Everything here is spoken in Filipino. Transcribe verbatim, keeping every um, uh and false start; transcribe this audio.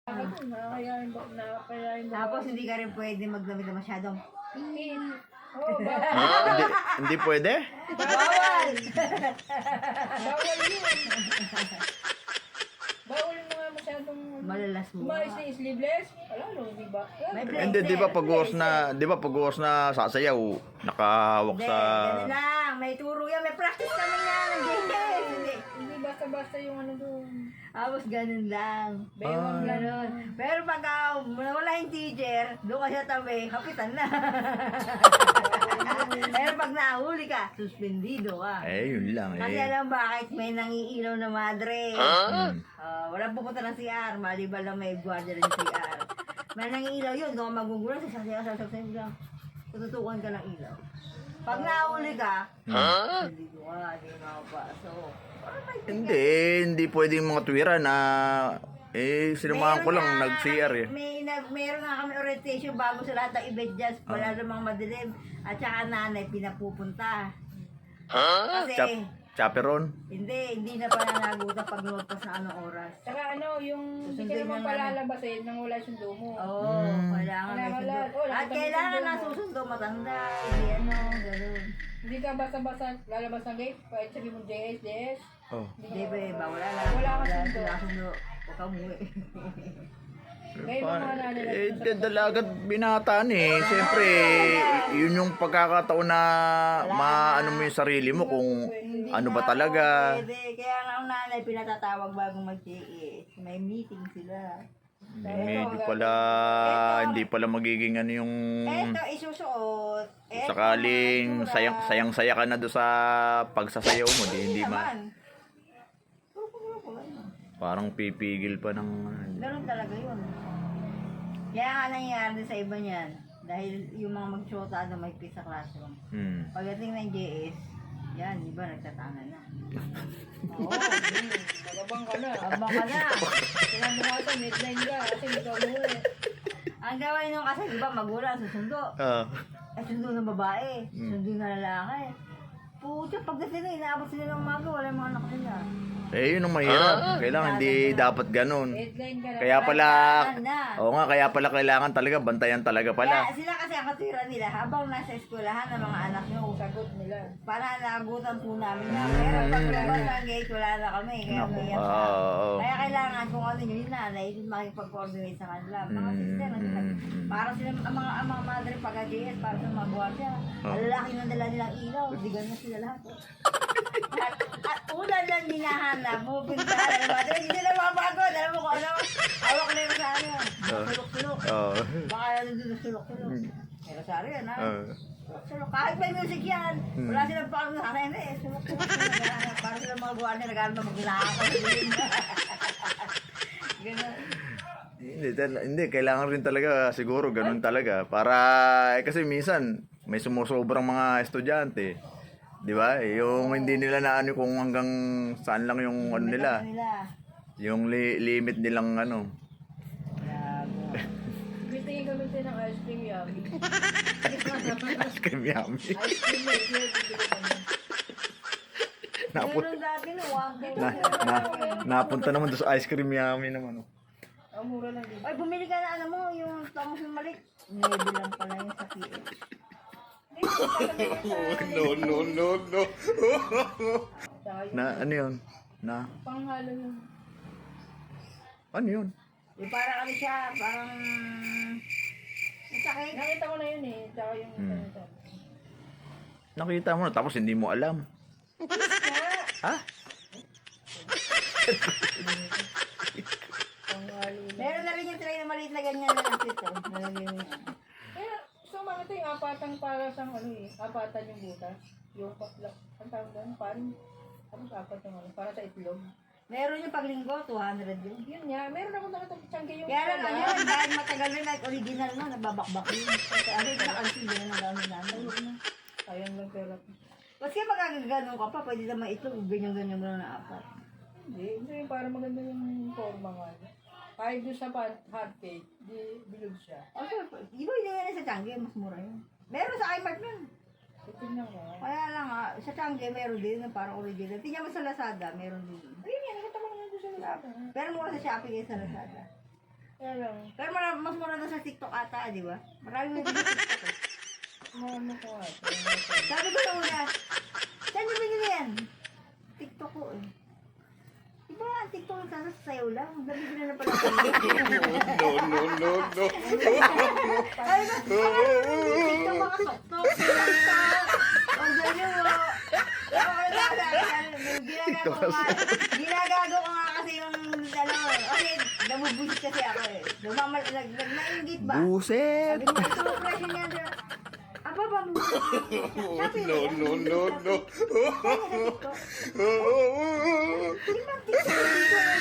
Tapos hindi ka rin pwede magdamit na masyadong Pin. Oh, bawal. Ah, hindi, hindi pwede? bawal! Bawal yun. Bawal mo nga masyadong Malalas mo. umayos na sleeveless. Wala no, di ba? May Hindi, di ba pag uwas na, di ba pag uwas na sasayaw, nakahawak Hindi, sa... ganun lang. May turo yan. May practice kami yan. Hindi. Hindi basta-basta yung ano doon. Tapos ganun lang. Bewang lang. Ganun. Pero pag uh, wala yung teacher, doon ka sa tabi, kapitan na. Pero pag nahuli ka, suspendido ka. Eh, yun lang Kasi eh. alam bakit may nangiilaw na madre. Hmm. Uh, walang pupunta ng C R, maliban lang may guardia ng C R. May nangiilaw yun, doon ka magugulat, sasasayaw, sasasayaw lang. Tututukan ka ng ilaw. Pag nahuli ka, suspendido ka, hindi ka makapasok. Hindi, hindi pwede yung mga tuwira na... Eh, sinamahan ko lang, Meron nga nag-C R eh. kami- May, nag, meron nga kami orientation bago sa lahat ng event dyan. Wala Ah. namang madilim. At saka nanay, pinapupunta. Ha? Kasi, Chap chaperon? hindi, hindi na pala naguta pag lumagpas na anong oras. Saka ano, yung hindi ka Susundin naman na palalabasin nang wala sundo mo. Oo, Hmm. kailangan may Kailangan sundo. lahat. Oh, lahat At kami kailangan sundo na mo. susundo matanda. Hindi ano, gano'n. Hindi ka basta-basta lalabas ng gate, kahit sabi mo J S, J S. Oh. Hindi ba, bawal na. Wala kang sundo. Wala kang sundo. Huwag kang umuwi. Ngayon mga nanay na Eh, d- dalagat binataan eh. Siyempre, yun yung pagkakataon na maano mo yung sarili mo kung ano ba talaga. Pwede. Kaya nga ang nanay pinatatawag bago mag-J S. May meeting sila. Hindi pala, hindi pala magiging ano yung... Eto, isusuot. Eto, Sakaling mga sayang, itsura. sayang-saya ka na doon sa pagsasayaw mo, di, hindi ma... Naman. Puro-puro, ano. Parang pipigil pa ng... Ganun talaga yun. Kaya nga nangyayari sa iba niyan. Dahil yung mga mag-shota na may sa classroom. Hmm. Pagdating ng J S, yan, iba nagtatangan na. Oo, nagabang ka na. abang ka na. Sinabi mo ito, midline ka, kasi hindi ka umuwi. Ang gawin nung kasi, di ba, magulang, susundo. Ah. Ay, sundo ng babae, Mm. sundo na lalaki. Pucha, pagdating na, inaabot sila ng umaga, wala yung mga anak nila. Eh, yun ang mahirap. Kailangan hindi dapat ganun. Midline ka na. Kaya pala... Kailangan na. Oo nga, kaya pala kailangan talaga, bantayan talaga pala. Kaya sila kasi ang katwira nila, habang nasa eskwelahan ng mga anak nyo, sagot nila. para naagutan po namin na. Pero pag labas ng gate, wala na kami. Kaya Naku, umiyak oo, siya. oo. Kaya kailangan kung ano yun, yung nanay, makipag-coordinate sa kanila. Mga Mm, sister, mm, mm. para sila, ang mga, ang mga madre pag-J S, para sa mga buwasya. Oh. Ang lalaki ng dala nilang ilaw, digan na sila lahat. At, at una lang hinahanap, pupunta ka ng madre, hindi nila mapagod. Alam mo kung ano, hawak na yung sa ano, Oh. sulok-sulok. Oo. Baka nandun na sulok-sulok. Pero sorry yan ha. Oo. Sulok. Kahit may music yan, Hmm. wala silang pang sana hindi eh. Sulok-sulok sila. Naghahanap. Para silang mga buwan na naghahanap ng maglakad. Ganun. Hindi, tal- hindi, kailangan rin talaga siguro ganun talaga para eh, kasi minsan may sumusobrang mga estudyante. 'Di ba? Yung hindi nila na ano kung hanggang saan lang yung ano nila, nila. yung li- limit nilang ano. Grabe. Bitingin kami tayo ng ice cream yummy. Ice cream yummy. Ice cream na ito, bibili kami. Napun Meron dati no, one day. na, na, napunta naman doon sa ice cream yummy naman. Oh. Ang mura lang din. Ay, bumili ka na ano mo, yung tangos ng malik. Nebe lang pala yung sa P H. No, no, no, no. Saka yung Na ano 'yun? Na panghalo yung ano 'yun? Yung parang ano siya, parang... Ang sakit. nakita ko na yun eh. Tsaka yung Hmm. ano to. Nakita mo na tapos hindi mo alam. Ha? Panghalo yun. Meron na rin yung tray na maliit na ganyan na lang ito. Nalagay mo siya. Kaya, so mga ito yung apatang para sa ano eh. Apatan yung butas. Yung paklak. Ang tawag doon? Parang, ano apat yung ano? Para sa itlog. Meron yung paglinggo, two hundred yun. Yun nga. Meron ako nakatang tiyangge yung Kaya lang pala. ano yun, dahil matagal rin like original mo, nagbabakbak yun. Kasi ano yung nakansin din na gamit namin. Sayang lang pera. Kasi pag gano'n ka pa, pwede naman ito, ganyan-ganyan gano'n na apat. Hindi. Hindi yung para maganda yung forma nga. Kahit doon sa pan- hot cake, di bilog siya. Okay, di ba hindi yan sa Changi, mas mura yun. Meron sa iMart yun. Titignan ko. Kaya lang nga, sa Changi meron din na parang original. Tingnan mo sa Lazada, meron din. Ayun yan. Nakita ko naman doon sa Lazada. Pero mura sa Shopee kaysa sa Lazada. Kaya lang, Pero mara, mas mura na sa TikTok ata, di ba? Marami na din sa TikTok. eh. ano ko nga. Sabi ko na una, saan niyo binili yan? TikTok ko eh. Diba ang TikTok yung sasasayaw lang? Nabibili na pala ko. No, no, no, no. Ay, ba? TikTok mga sok-tok. Order nyo mo. Okay na, ginagago ko nga. Ginagago ko nga kasi yung, ano, kasi nabubusit kasi ako eh. Lumamal, nag, nag, nainggit ba? Buset! Sabi ko, ito, presyo niya. Diba? Aba ba mo? No, no, no, no. Di ba TikTok?